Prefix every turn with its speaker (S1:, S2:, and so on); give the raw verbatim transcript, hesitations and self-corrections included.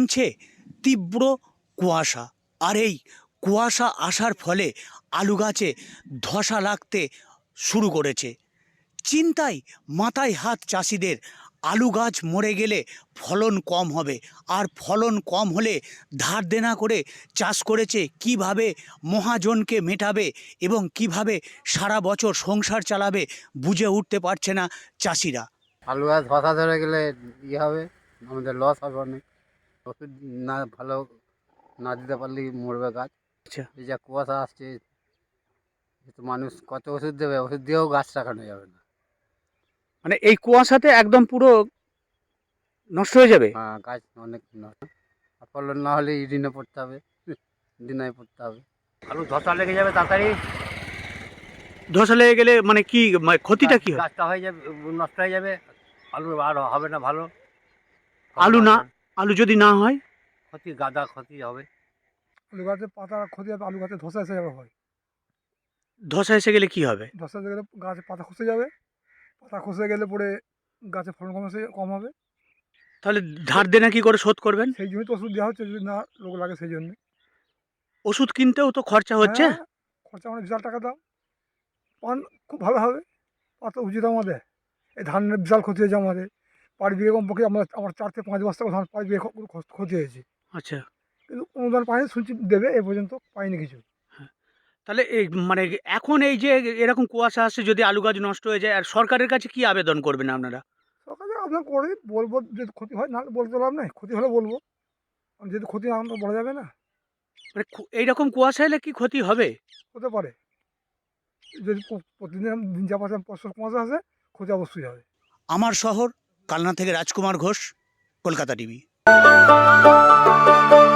S1: নামছে তীব্র কুয়াশা, আর এই কুয়াশা আসার ফলে আলু গাছে ধসা লাগতে শুরু করেছে। চিন্তায় মাথায় হাত চাষিদের। আলু গাছ মরে গেলে ফলন কম হবে, আর ফলন কম হলে ধার দেনা করে চাষ করেছে কিভাবে মহাজনকে মেটাবে এবং কিভাবে সারা বছর সংসার চালাবে বুঝে উঠতে পারছে না চাষিরা।
S2: আলু গাছ ধসা ধরে গেলে ইয়ে হবে, আমাদের লস হবে অনেক। ওষুধ না ভালো না দিতে পারলেই মরবে গাছ।
S1: আচ্ছা,
S2: এই যা কুয়াশা আসছে, এ তো মানুষ কত ওষুধ দেবে, ওষুধ দিয়েও গাছ রাখানো যাবে না।
S1: মানে এই কুয়াশাতে একদম পুরো নষ্ট হয়ে যাবে।
S2: হ্যাঁ, গাছ অনেক নষ্ট। আর ফলন না হলে ঋণে পড়তে হবে, দিনায় পড়তে হবে। আলু ধসা লেগে যাবে তাড়াতাড়ি।
S1: ধসা লেগে গেলে মানে কি, মানে ক্ষতিটা কি হয়?
S2: গাছটা হয়ে যাবে, নষ্ট হয়ে যাবে, আলু আর হবে না ভালো।
S1: আলু না, আলু যদি না হয়
S2: ক্ষতি, গাদা ক্ষতি হবে।
S3: আলু গাছের পাতা ক্ষতি হবে, আলু গাছে ধসা এসে যাবে হয়।
S1: ধসা এসে গেলে কি হবে?
S3: ধসা এসে গেলে গাছে পাতা খসে যাবে, পাতা খসে গেলে পরে গাছে ফলন কম এসে কম হবে।
S1: তাহলে ধার দেনা কি করে শোধ করবেন?
S3: সেই জন্যই তো ওষুধ দেওয়া হচ্ছে, যদি না রোগ লাগে সেই জন্য।
S1: ওষুধ কিনতেও তো খরচা হচ্ছে।
S3: হ্যাঁ, খরচা মানে বিশাল টাকা দাম। পান খুব ভালো হবে, পাতা উচিত আমাদের। এই ধানের বিশাল ক্ষতি হয়েছে আমাদের। পাঁচ বিঘে কমপক্ষে আমরা আমার চার থেকে পাঁচ বস্তা ধান পাঁচ বিঘে খ- খ- ক্ষতি হয়েছে।
S1: আচ্ছা,
S3: কিন্তু অনুদান পাইনি, শুনছি দেবে, এ পর্যন্ত পাইনি কিছু।
S1: তাহলে এই মানে এখন এই যে এরকম কুয়াশা আসছে, যদি আলু গাছ নষ্ট হয়ে যায়, আর সরকারের কাছে কি আবেদন করবেন আপনারা?
S3: সরকারে আপনার করে বলবো, যদি ক্ষতি হয়, নাহলে বলতে লাভ নাই। ক্ষতি হলে বলবো, আর যদি ক্ষতি না হয় তো বলা যাবে না।
S1: মানে খু- এইরকম কুয়াশা এলে কি ক্ষতি হবে?
S3: হতে পারে, যদি প- প্রতিদিন দিন যা পাশে বছর কুয়াশা আসে, ক্ষতি অবশ্যই হবে।
S1: আমার শহর কালনা থেকে রাজকুমার ঘোষ, কলকাতা টিভি।